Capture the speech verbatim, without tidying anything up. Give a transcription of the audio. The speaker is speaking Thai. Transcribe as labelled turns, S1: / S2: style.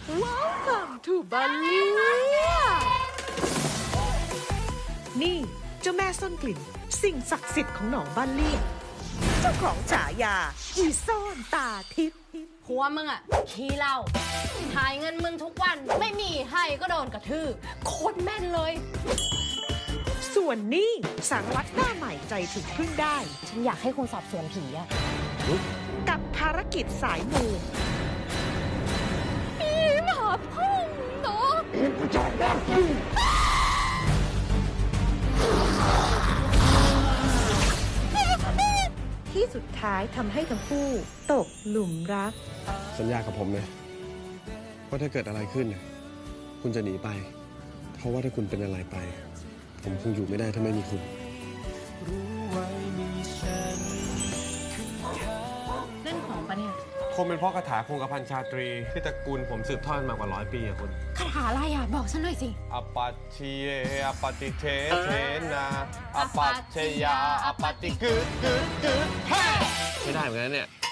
S1: Welcome to บัลเลียนี่เจ้าแม่ซ่อนกลิ่นสิ่งศักดิ์สิทธิ์ของหนองบัลเลียเจ้าของฉายาอีซ่อนตาทิพย์
S2: ผัวมึงอะขี้เหล้าถ่ายเงินมึงทุกวันไม่มีให้ก็โดนกระทืบโคตรแม่นเลย
S1: ส่วนนี่สารวัตรหน้าใหม่ใจถึงพึ่งได้
S2: ฉันอยากให้คุณสอบสวนผีอะ
S1: กับภารกิจสายมู
S2: ผีหมาพ่องเนาะ
S1: ที่สุดท้ายทำให้ทั้งคู่ตกหลุมรัก
S3: สัญญากับผมนะว่าถ้าเกิดอะไรขึ้นคุณจะหนีไปเพราะว่าถ้าคุณเป็นอะไรไปผมคงอยู่ไม่ได้ถ้าไม่มีคุณ
S2: เล่นของปะเนี่ย
S3: คงเป็นเพราะคาถาคงกระพันชาตรีที่ตระกูลผมสืบทอดมากว่าร้อยปีอะคุณ
S2: คาถาอะไรอะบอกฉันหน่อยสิ
S3: อปัตชิเยอปติเทเทนาอปัตชยาอปติกึดกึดกึดเฮ้ใช้ได้เหมือนกันเนี่ย